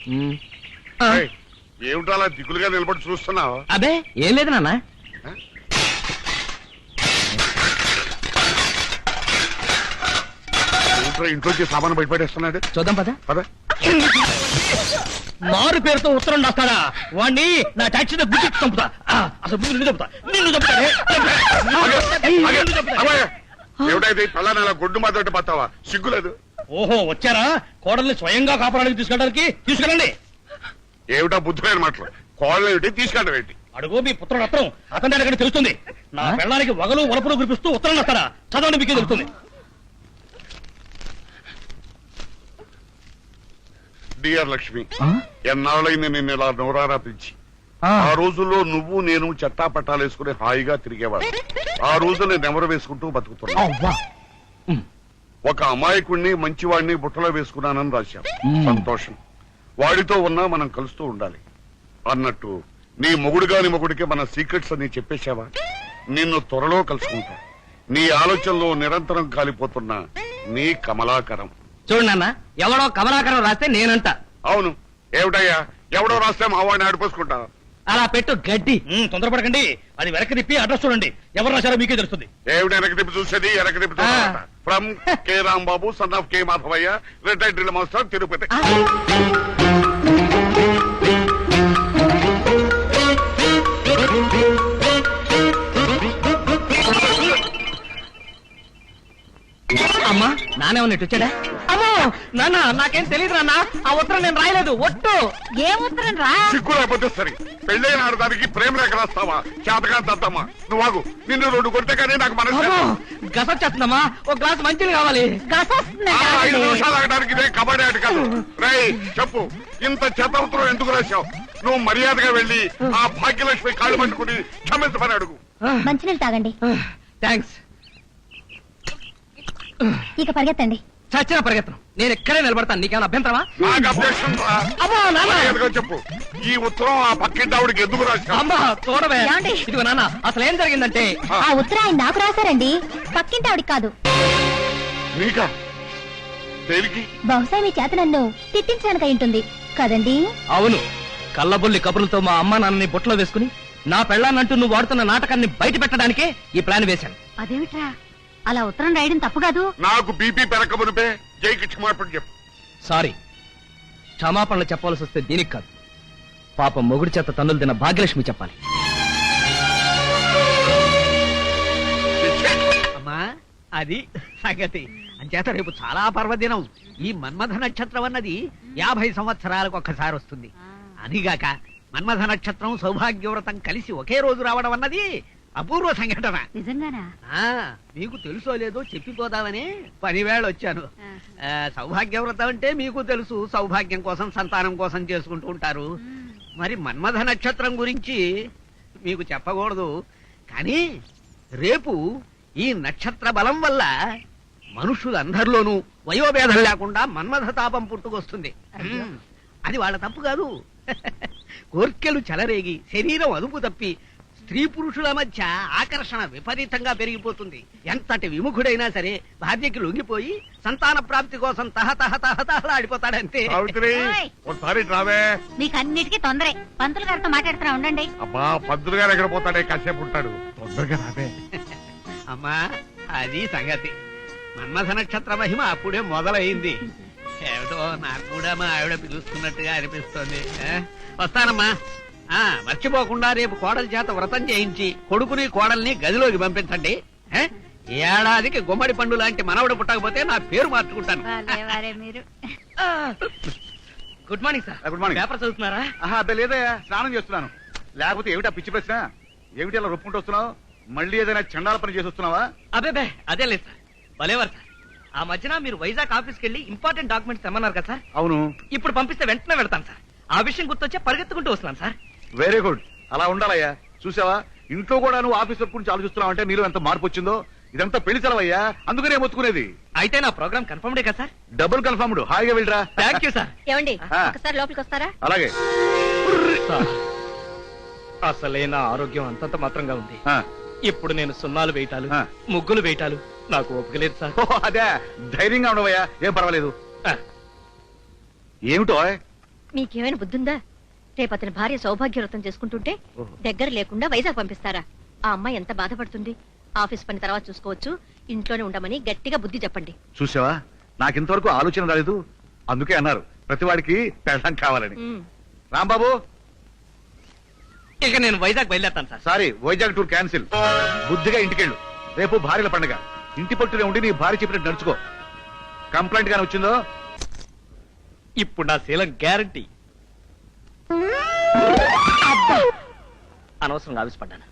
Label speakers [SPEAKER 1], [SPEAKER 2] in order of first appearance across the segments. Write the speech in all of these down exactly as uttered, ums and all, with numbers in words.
[SPEAKER 1] ఏమిటో అలా దిగులుగా నిలబడి చూస్తున్నావు?
[SPEAKER 2] అదే ఏం లేదు నాన్న.
[SPEAKER 1] ఇంట్లోకి సామాను బయటపడేస్తున్నాడు.
[SPEAKER 2] చూద్దాం పద
[SPEAKER 1] పద.
[SPEAKER 2] మారు పేరుతో ఉత్తరం రాస్తాడా వాణ్ణి నా టాక్సీలో గుర్తి చంపుతా. అసలు ముందు నిన్ను చంపుతా నిన్ను చంపుతానే.
[SPEAKER 1] ఏమిటైతే పలానా గొడ్డు మాతో పత్తావా? సిగ్గులేదు.
[SPEAKER 2] ఓహో వచ్చారా? కోడల్ని స్వయంగా కాపాడానికి తీసుకెళ్ళడానికి తీసుకెళ్ళండి.
[SPEAKER 1] ఏమిటా బుద్ధులైన మాటలు? కోడలు ఏమిటి, తీసుకెళ్ళడం ఏంటి?
[SPEAKER 2] అడుగు మీ పుత్రుడు ఉత్తరం అతని దగ్గర తెలుస్తుంది. నా పెళ్ళానికి వగలు వలపులు కురిపిస్తూ ఉత్తరం రాస్తాడా? చదవండి, మీకే తెలుస్తుంది.
[SPEAKER 1] డియర్ లక్ష్మి, ఎన్నాళ్ళైంది నిన్ను ఇలా నోరారా పిలిచి. ఆ రోజుల్లో నువ్వు నేను చట్టా పట్టాలు వేసుకుని హాయిగా తిరిగేవాడు. ఆ రోజు నేను నెమరు వేసుకుంటూ బతుకుతున్నా. ఒక అమాయకుడిని మంచివాడిని బుట్టలో వేసుకున్నానని రాశాం. సంతోషం. వాడితో ఉన్నా మనం కలుస్తూ ఉండాలి అన్నట్టు నీ మొగుడు గాని మొగుడికి మన సీక్రెట్స్ అని చెప్పేశావా? నిన్ను త్వరలో కలుసుకుంటా. నీ ఆలోచనలో నిరంతరం కాలిపోతున్నా నీ కమలాకరం.
[SPEAKER 2] చూడు నాన్న, ఎవడో కమలాకరం రాస్తే నేనంట.
[SPEAKER 1] అవును, ఏమిటయ్యా ఎవడో రాస్తే మా వాడిని ఆడిపోసుకుంటా.
[SPEAKER 2] అలా పెట్టు గడ్డి. తొందరపడకండి, అది వెనక్కి తిప్పి అడ్రస్ చూడండి. ఎవరు రాశారో మీకే తెలుస్తుంది.
[SPEAKER 1] ఏమిటి వెనక్కి తిప్పి చూసేది? వెనక్కి తిప్పి చూడ. From K Rambabu, son of K Madhavaiah, retired drill master, Tirupati. అమ్మా నానే ఉన్నట్టు వచ్చాడా? అమ్మో నాన్న, నాకేం తెలియదు నాన్న. ఆ ఉత్తరం నేను రాయలేదు. ఒట్టు.
[SPEAKER 3] ఏ ఉత్తరం రా?
[SPEAKER 1] సిగ్గు లేకపోతే సరే. పెళ్ళైన ఆడదానికి ప్రేమ రేఖ రాస్తావా? చేతగా దద్దమ్మా నువ్వు. నిన్ను రెండు కొడితే కానీ నాకు మనసు
[SPEAKER 2] గసొచ్చేస్తుందమ్మా. ఒక గ్లాస్ మంచిది కావాలి.
[SPEAKER 1] ఐదు నిమిషాలు ఆగడానికి ఇదే కబడ్డీ ఆట కాదు. రై చెప్పు, ఇంత చెత్త ఉత్తరం ఎందుకు రాశావు? నువ్వు మర్యాదగా వెళ్ళి ఆ భాగ్యలక్ష్మి కాళ్ళు పట్టుకుని క్షమించమని అడుగు.
[SPEAKER 3] మంచినీళ్ళు తాగండి.
[SPEAKER 2] థ్యాంక్స్.
[SPEAKER 3] ఇక పరిగెత్తండి.
[SPEAKER 2] చచ్చిన పరిగెత్తను. నేను ఎక్కడే నిలబడతాను. నీకేమైనా అభ్యంతరమా?
[SPEAKER 1] నాకు అభ్యక్షం రా. చెప్పు, ఈ ఉత్తరం ఆ పక్కింటి ఆవిడకి ఎందుకు రాశావు?
[SPEAKER 2] అమ్మా చూడవే. ఇదిగో నాన్న, అసలు ఏం జరిగిందంటే
[SPEAKER 3] ఆ ఉత్తరం ఆయన నాకు రాశారండి, పక్కింటి ఆవిడికి కాదు.
[SPEAKER 1] నీకా? దేనికి?
[SPEAKER 3] బహుశా మీ చేత నన్ను తిట్టించడానికి అయి ఉంటుంది కదండి?
[SPEAKER 2] అవును, కళ్ళబొల్లి కబుర్లతో మా అమ్మ నాన్నని బుట్టలో వేసుకుని నా పెళ్ళాన్నంటూ నువ్వు వాడుతున్న నాటకాన్ని బయట పెట్టడానికే ఈ ప్లాన్ వేశాను.
[SPEAKER 3] అదేమిట్రా, అలా ఉత్తరం రాయడం తప్పు కాదు.
[SPEAKER 1] నాకు బీపీ పెరగమునిపే జైకి క్షమాపణ చెప్పు.
[SPEAKER 2] సారీ, క్షమాపణలు చెప్పాల్సి వస్తే దీనికి కాదు, పాపం మొగుడి చేత తన్నులు తిన్న భాగ్యలక్ష్మి చెప్పాలి.
[SPEAKER 4] అమ్మా అది సంగతి. అంచేత రేపు చాలా పర్వదినం. ఈ మన్మథ నక్షత్రం అన్నది యాభై సంవత్సరాలకు ఒక్కసారి వస్తుంది. అదిగాక మన్మథ నక్షత్రం సౌభాగ్యవ్రతం కలిసి ఒకే రోజు రావడం అన్నది అపూర్వ సంఘటన.
[SPEAKER 3] నిజంగానా?
[SPEAKER 4] మీకు తెలుసో లేదో చెప్పిపోదామని పనివేళ వచ్చాను. సౌభాగ్యవ్రతం అంటే మీకు తెలుసు, సౌభాగ్యం కోసం సంతానం కోసం చేసుకుంటూ ఉంటారు. మరి మన్మథ నక్షత్రం గురించి మీకు చెప్పకూడదు, కానీ రేపు ఈ నక్షత్ర బలం వల్ల మనుషులందరిలోనూ వయోభేదం లేకుండా మన్మథ తాపం పుట్టుకొస్తుంది. అది వాళ్ళ తప్పు కాదు. కోర్కెలు చెలరేగి శరీరం అదుపు తప్పి స్త్రీ పురుషుల మధ్య ఆకర్షణ విపరీతంగా పెరిగిపోతుంది. ఎంతటి విముఖుడైనా సరే భార్యకి లొంగిపోయి సంతాన ప్రాప్తి కోసం తహతహ తహతహలాడిపోతాడంతే.
[SPEAKER 3] మీకు అన్నిటికీ తొందరే. పంతులు గారితో మాట్లాడుతున్నా ఉండండి.
[SPEAKER 1] అబ్బా, పంతులు గారు ఎక్కడ పోతాడే, కాసేపు ఉంటాడు. తొందరగా రావే.
[SPEAKER 4] అమ్మా అది సంగతి. మన్మథ నక్షత్ర మహిమ అప్పుడే మొదలైంది. ఏమిటో నాకు కూడా మా ఆవిడ పిలుస్తున్నట్టుగా అనిపిస్తోంది. వస్తానమ్మా. ఆ మర్చిపోకుండా రేపు కోడలి చేత వ్రతం చేయించి కొడుకుని కోడల్ని గదిలోకి పంపించండి. ఏడాదికి గుమ్మడి పండు లాంటి మనవడు పుట్టకపోతే నా పేరు మార్చుకుంటాను.
[SPEAKER 2] Good morning sir.
[SPEAKER 1] Good morning.
[SPEAKER 2] Paper చదువుతున్నారా?
[SPEAKER 1] అబ్బే లేదయ్యా, స్నానం చేస్తున్నాను. లేకపోతే ఏమిటా పిచ్చి ప్రశ్న? ఏమిటి అలా రొప్పుకుంటూ వస్తున్నావు? మళ్ళీ ఏదైనా చండాల పని చేసి వస్తున్నావా?
[SPEAKER 2] అబ్బే అదే లేదు సార్. భలేవారు సార్. ఆ మధ్యన మీరు వైజాగ్ ఆఫీస్కి వెళ్ళి ఇంపార్టెంట్ డాక్యుమెంట్స్ తెమ్మన్నారు కదా సార్?
[SPEAKER 1] అవును. ఇప్పుడు
[SPEAKER 2] పంపిస్తే వెంటనే వెళ్తాను సార్. ఆ విషయం గుర్తొచ్చే పరిగెత్తుకుంటూ వస్తున్నాను సార్.
[SPEAKER 1] వెరీ గుడ్, అలా ఉండాలయ్యా. చూసావా, ఇంట్లో కూడా నువ్వు ఆఫీసర్ గురించి ఆలోచిస్తున్నావు అంటే నీలో ఎంత మార్పు వచ్చిందో. ఇదంతా పెళ్లి సెలవయ్యా, అందుకనే మొత్తుకునేది.
[SPEAKER 2] అయితే నా ప్రోగ్రామ్ కన్ఫర్మ్డే కదా సార్?
[SPEAKER 1] Double confirmed. హాయిగా వెళ్ళరా.
[SPEAKER 2] Thank you sir.
[SPEAKER 3] ఏమండి, ఒకసారి లోపలికి వస్తారా?
[SPEAKER 1] అలాగే.
[SPEAKER 2] అసలే నా ఆరోగ్యం అంతంత మాత్రంగా ఉంది. ఇప్పుడు నేను సున్నాలు వేయటాలు,
[SPEAKER 1] ఆ.
[SPEAKER 2] ముగ్గులు వేయటాలు నాకు ఓపిక లేదు సార్.
[SPEAKER 1] అదే, ధైర్యంగా ఉండవయ్యా, ఏం పర్వాలేదు. ఏమిటో
[SPEAKER 5] మీకేమైనా బుద్ధుందా? రేపు అతని భార్య సౌభాగ్యవ్రతం చేసుకుంటుంటే దగ్గర లేకుండా వైజాగ్ పంపిస్తారా? ఆ అమ్మాయి ఎంత బాధపడుతుంది. ఆఫీస్ పని తర్వాత చూసుకోవచ్చు, ఇంట్లోనే ఉండమని గట్టిగా బుద్ధి చెప్పండి.
[SPEAKER 6] చూసావా, నాకింతవరకు ఆలోచన రాలేదు. అందుకే అన్నారు ప్రతివాడికి పెళ్ళం కావాలని.
[SPEAKER 5] ఉమ్.
[SPEAKER 6] రాంబాబు,
[SPEAKER 2] ఇక నేను వైజాగ్ బయలుదేరుతాను sir.
[SPEAKER 6] Sorry, Vizag tour cancel. బుద్ధిగా ఇంటికెళ్ళు. రేపు భార్యల పండుగ. ఇంటి పట్టునే ఉండి నీ భార్య చెప్పినట్టు నడుచుకో. కంప్లైంట్ గానీ వచ్చిందో
[SPEAKER 2] ఇప్పుడు నా శీలం గ్యారంటీ. అనవసరంగా ఆవిష్పడ్డాను.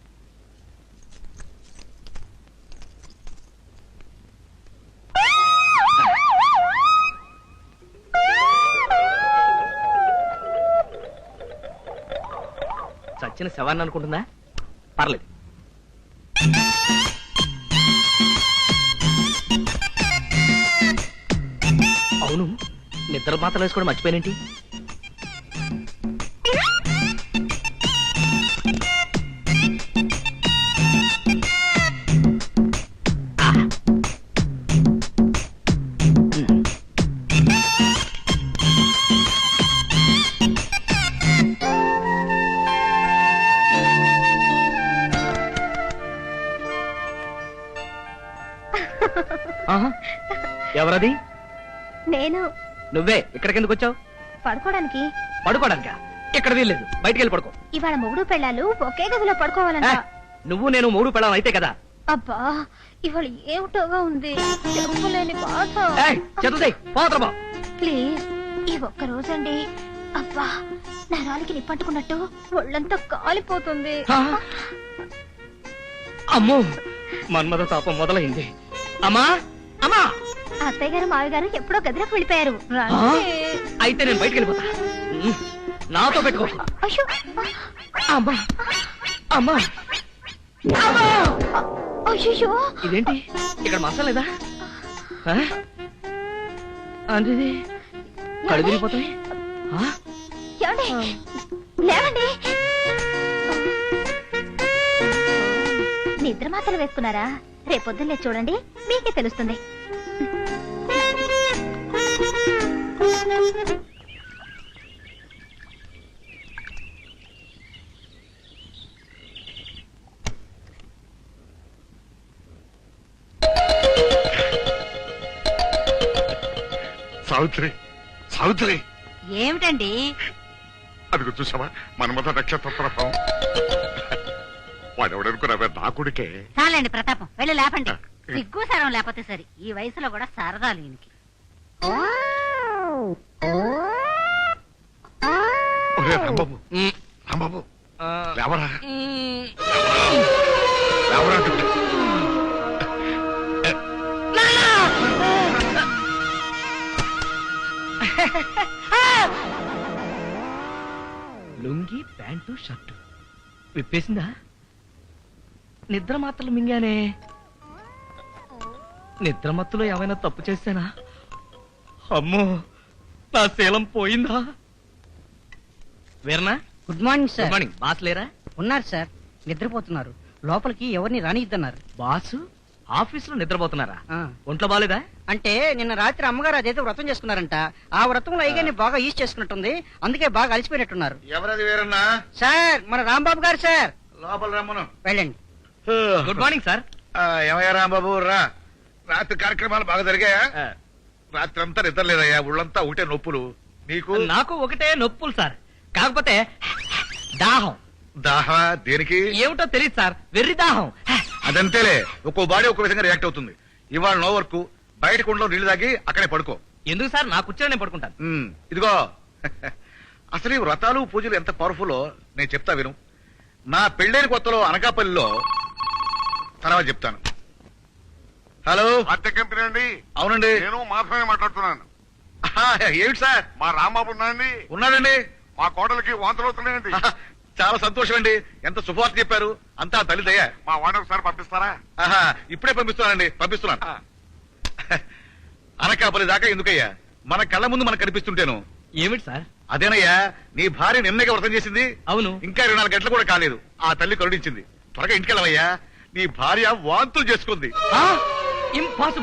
[SPEAKER 2] చచ్చిన శవాన్ని అనుకుంటుందా? పర్లేదు. అవును, నిద్ర మాత్రం వేసుకోవడం మర్చిపోయినేంటి? ఆహా, ఎవరది?
[SPEAKER 3] నేను
[SPEAKER 2] నువ్వే. ఇక్కడికి ఎందుకు వచ్చావు?
[SPEAKER 3] పడుకోవడానికి.
[SPEAKER 2] పడుకోవడానికా? ఇక్కడ వీల్లేదు, బయటికి వెళ్ళి పడుకో.
[SPEAKER 3] ఇవాళ మొగుడు పెళ్ళాలు ఒకే గదిలో పడుకోవాలంట.
[SPEAKER 2] ఏ, నువ్వు నేను మూడు పెళ్ళం అయితే కదా.
[SPEAKER 3] అబ్బా, ఇవాళ ఏమిటోగా ఉంది, చెప్పలేని బాధ.
[SPEAKER 2] చదువుతాయి పోతరబా.
[SPEAKER 3] ప్లీజ్, ఈ ఒక్క రోజండి. అబ్బా, నరాలకి నిప్పంటుకున్నట్టు ఒళ్ళంతా కాలిపోతుంది.
[SPEAKER 2] అమ్మో, మన్మథ తాపం మొదలైంది. అమ్మా అమ్మా,
[SPEAKER 3] అత్తయ్య గారు మావి గారు ఎప్పుడో గదిలోకి వెళ్ళిపోయారు.
[SPEAKER 2] ఆ?
[SPEAKER 3] రండి.
[SPEAKER 2] అయితే నేను బయటికి వెళ్ళిపోతా. ఉమ్, నాతో పెట్టుకో.
[SPEAKER 3] అయ్యో,
[SPEAKER 2] అమ్మా అమ్మా,
[SPEAKER 3] అయ్యో,
[SPEAKER 2] ఇదేంటి ఇక్కడ మసాలా లేదా? ఆ? అంటే ఇది కళ్ళు తిరిగిపోతాయి. ఆ?
[SPEAKER 3] ఏమండి? లేవండి. నిద్ర మాత్రలు వేసుకున్నారా? రేపొద్దున్నే చూడండి, మీకే తెలుస్తుంది.
[SPEAKER 1] సావిత్రి, సావిత్రి,
[SPEAKER 5] ఏమిటండి?
[SPEAKER 1] అదిగో చూసావా మన్మథ నక్షత్ర ప్రభావం. వాడెవడనుకున్నావే, నా కొడుకే.
[SPEAKER 5] చాలండి ప్రతాపం, వెళ్ళి లేపండి. సిగ్గు సరం లేకపోతే సరి, ఈ వయసులో కూడా సరదా లేనికి.
[SPEAKER 1] ఒరే రాంబాబు,
[SPEAKER 2] ఉమ్,
[SPEAKER 1] రాంబాబు,
[SPEAKER 2] ఆ,
[SPEAKER 1] లేవరా,
[SPEAKER 2] ఉమ్.
[SPEAKER 1] లేవరా అంటుంటే.
[SPEAKER 2] లుంగి, ప్యాంటు, షర్టు విప్పేసిందా? నిద్ర మాత్రలు మింగానే. నిద్ర మత్తులో ఏమైనా తప్పు చేశానా? అమ్మో, నా శీలం పోయిందా? వీరనా,
[SPEAKER 7] good morning
[SPEAKER 2] good
[SPEAKER 7] sir.
[SPEAKER 2] Morning. Boss లేరా?
[SPEAKER 7] ఉన్నారు సార్, నిద్రపోతున్నారు. లోపలికి ఎవరిని రానిద్దన్నారు.
[SPEAKER 2] బాసు ఆఫీసులో నిద్రపోతున్నారా?
[SPEAKER 7] ఆ.
[SPEAKER 2] ఒంట్లో బాలేదా?
[SPEAKER 7] అంటే నిన్న రాత్రి అమ్మగారు అదేదో వ్రతం చేసుకున్నారంట. ఆ వ్రతంలో అయ్యగారిని బాగా ఈజ్ చేసుకున్నట్టుంది, అందుకే బాగా అలసిపోయినట్టున్నారు.
[SPEAKER 6] ఎవరది వేరన్నా?
[SPEAKER 7] సార్, మన రాంబాబు గారు సార్.
[SPEAKER 6] లోపల రమ్మను.
[SPEAKER 7] వెళ్ళండి.
[SPEAKER 2] Good morning sir.
[SPEAKER 6] ఆ, ఏమయ్యా రాంబాబు, రా. రాత్రి కార్యక్రమాలు బాగా జరిగాయా?
[SPEAKER 2] ఆ,
[SPEAKER 6] రాత్రి అంతా నిద్ర లేదయ్యా, ఒళ్ళంతా ఒకటే నొప్పులు. నీకు?
[SPEAKER 2] నాకు ఒకటే నొప్పులు సార్. కాకపోతే దాహం.
[SPEAKER 6] దాహా? దేనికి?
[SPEAKER 2] ఏమిటో తెలియదు సార్, వెర్రి దాహం.
[SPEAKER 6] అదంతేలే, ఒక్కో బాడీ ఒక్కో విధంగా రియాక్ట్ అవుతుంది. ఇవాళ నో వర్క్, బయట కుండలో నీళ్లు తాగి అక్కడే పడుకో.
[SPEAKER 2] ఎందుకు సార్? నా కూర్చొని నేను పడుకుంటాను.
[SPEAKER 6] ఉమ్, ఇదిగో అసలు ఈ వ్రతాలు పూజలు ఎంత పవర్ఫుల్లో నేను చెప్తా విను. నా పెళ్ళైన కొత్తలో అనకాపల్లిలో, తర్వాత చెప్తాను. హలో,
[SPEAKER 1] అద్దె కంపెనీ అండి.
[SPEAKER 6] అవునండి.
[SPEAKER 1] నేను మాత్రమే మాట్లాడుతున్నాను.
[SPEAKER 6] ఆహా, ఏమిటి సార్?
[SPEAKER 1] మా రాంబాబు ఉన్నాయండి.
[SPEAKER 6] ఉన్నాడండి.
[SPEAKER 1] మా కోడలికి వాంతులు అవుతున్నాయండి.
[SPEAKER 6] ఆహా, చాలా సంతోషం అండి. ఎంత శుభవార్త చెప్పారు. అంతా తల్లి దయ.
[SPEAKER 1] మా వాడిని ఒకసారి పంపిస్తారా?
[SPEAKER 6] ఆహా, ఇప్పుడే పంపిస్తున్నానండి, పంపిస్తున్నాను.
[SPEAKER 1] ఆ.
[SPEAKER 6] అనకాపల్లి దాకా ఎందుకయ్యా, మన కళ్ళ ముందు మనకు కనిపిస్తుంటేను.
[SPEAKER 2] ఏమిటి సార్?
[SPEAKER 6] అదేనయ్యా, నీ భార్య నిన్నగా వ్రతం చేసింది.
[SPEAKER 2] అవును.
[SPEAKER 6] ఇంకా ఇరవై నాలుగు గంటలు కూడా కాలేదు. ఆ తల్లి కరుణించింది. త్వరగా ఇంటికెళ్ళవయ్యా, నీ భార్య వాంతులు చేసుకుంది.
[SPEAKER 2] ఇంపాసిబుల్.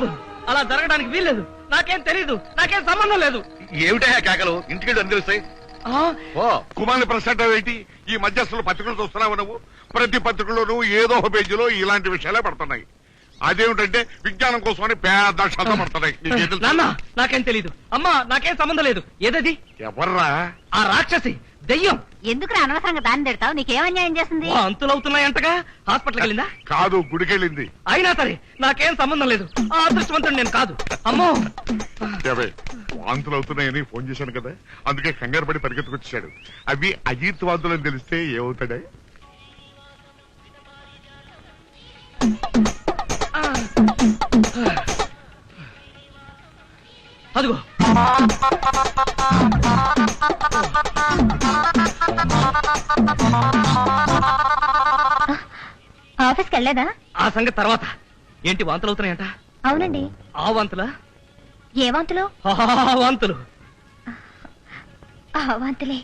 [SPEAKER 2] అలా జరగడానికి వీల్లేదు. నాకేం తెలీదు, నాకేం సంబంధం లేదు.
[SPEAKER 6] ఏమిటా కేకలు? ఇంటికి అని తెలుస్తాయి.
[SPEAKER 2] ఆ,
[SPEAKER 6] ఓ
[SPEAKER 1] కుమారుని ప్రశ్న ఏంటి? ఈ మధ్య అసలు పత్రికలు చూస్తున్నావు నువ్వు? ప్రతి పత్రికలోనూ ఏదో ఒక పేజీలో ఇలాంటి విషయాలే పడుతున్నాయి. అదేమిటంటే విజ్ఞానం కోసమని పెద్ద అక్షరాలు పడుతున్నాయి. నీకేం తెలుసు?
[SPEAKER 2] నాన్న నాకేం తెలీదు. అమ్మా నాకేం సంబంధం లేదు. ఏదది?
[SPEAKER 1] ఎవర్రా?
[SPEAKER 2] ఆ రాక్షసి దెయ్యం.
[SPEAKER 3] ఎందుకు అనవసరంగా దాన్ని తిడతావు? నీకేం అన్యాయం చేసింది?
[SPEAKER 2] ఓ అంతులవుతున్నాయంటగా. హాస్పిటల్కి వెళ్ళిందా?
[SPEAKER 1] కాదు, గుడికెళ్ళింది.
[SPEAKER 2] అయినా సరే నాకేం సంబంధం లేదు. ఆ అదృష్టవంతుడు నేను కాదు. అమ్మో,
[SPEAKER 1] ఏవే, వాంతులు అవుతున్నాయని ఫోన్ చేశాను కదా, అందుకే కంగారు పడి పరిగెత్తుకొచ్చాడు. అవి అజీత్ వాంతులు అని తెలిస్తే ఏమవుతాడే?
[SPEAKER 2] అదిగో
[SPEAKER 3] ఆఫీస్కి వెళ్ళలేదా?
[SPEAKER 2] ఆ సంగతి తర్వాత. ఏంటి వాంతులు అవుతున్నాయంట?
[SPEAKER 3] అవునండి.
[SPEAKER 2] ఆ వాంతులా?
[SPEAKER 3] ఏ వాంతులు?
[SPEAKER 2] ఆ వాంతులు.
[SPEAKER 3] ఆ వాంతులే.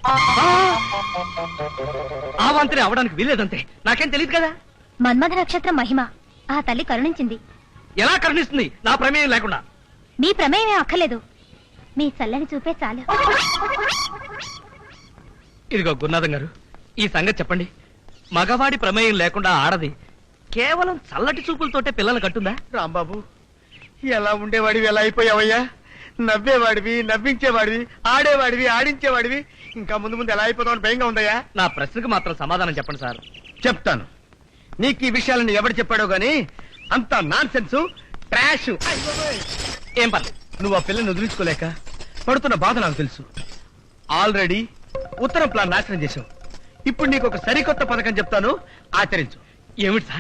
[SPEAKER 2] ఆ వాంతులే అవడానికి వీల్లేదంతే. నాకేం తెలియదు కదా.
[SPEAKER 3] మన్మథ నక్షత్రం మహిమ ఆ తల్లి కరుణించింది.
[SPEAKER 2] ఎలా కరుణిస్తుంది నా ప్రమేయం లేకుండా?
[SPEAKER 3] మీ ప్రమేయమే అక్కర్లేదు, మీ చల్లని చూపే చాలు.
[SPEAKER 2] ఇదిగో గురునాథం గారు, ఈ సంగతి చెప్పండి. మగవాడి ప్రమేయం లేకుండా ఆడది కేవలం చల్లటి చూపులతోటే పిల్లలు కట్టుందా?
[SPEAKER 8] రాంబాబు, ఎలా ఉండేవాడివి ఎలా అయిపోయావయ్యా? నవ్వేవాడివి, నవ్వించేవాడివి, ఆడేవాడివి, ఆడించేవాడివి. ఇంకా ముందు ముందు ఎలా అయిపోతామని భయంగా ఉందయ్యా.
[SPEAKER 2] నా ప్రశ్నకు మాత్రం సమాధానం చెప్పండి సార్.
[SPEAKER 8] చెప్తాను. నీకు ఈ విషయాలను ఎవరు చెప్పాడో గాని అంత నాన్ సెన్స్, ట్రాష్.
[SPEAKER 2] ఏం పర్లేదు.
[SPEAKER 8] నువ్వు ఆ పిల్లని వదిలించుకోలేక పడుతున్న బాధ నాకు తెలుసు. ఆల్రెడీ ఉత్తరం ప్లాన్ నాశనం చేశావు. ఇప్పుడు నీకు ఒక సరికొత్త పథకం చెప్తాను, ఆచరించు.
[SPEAKER 2] ఏమిటి సార్?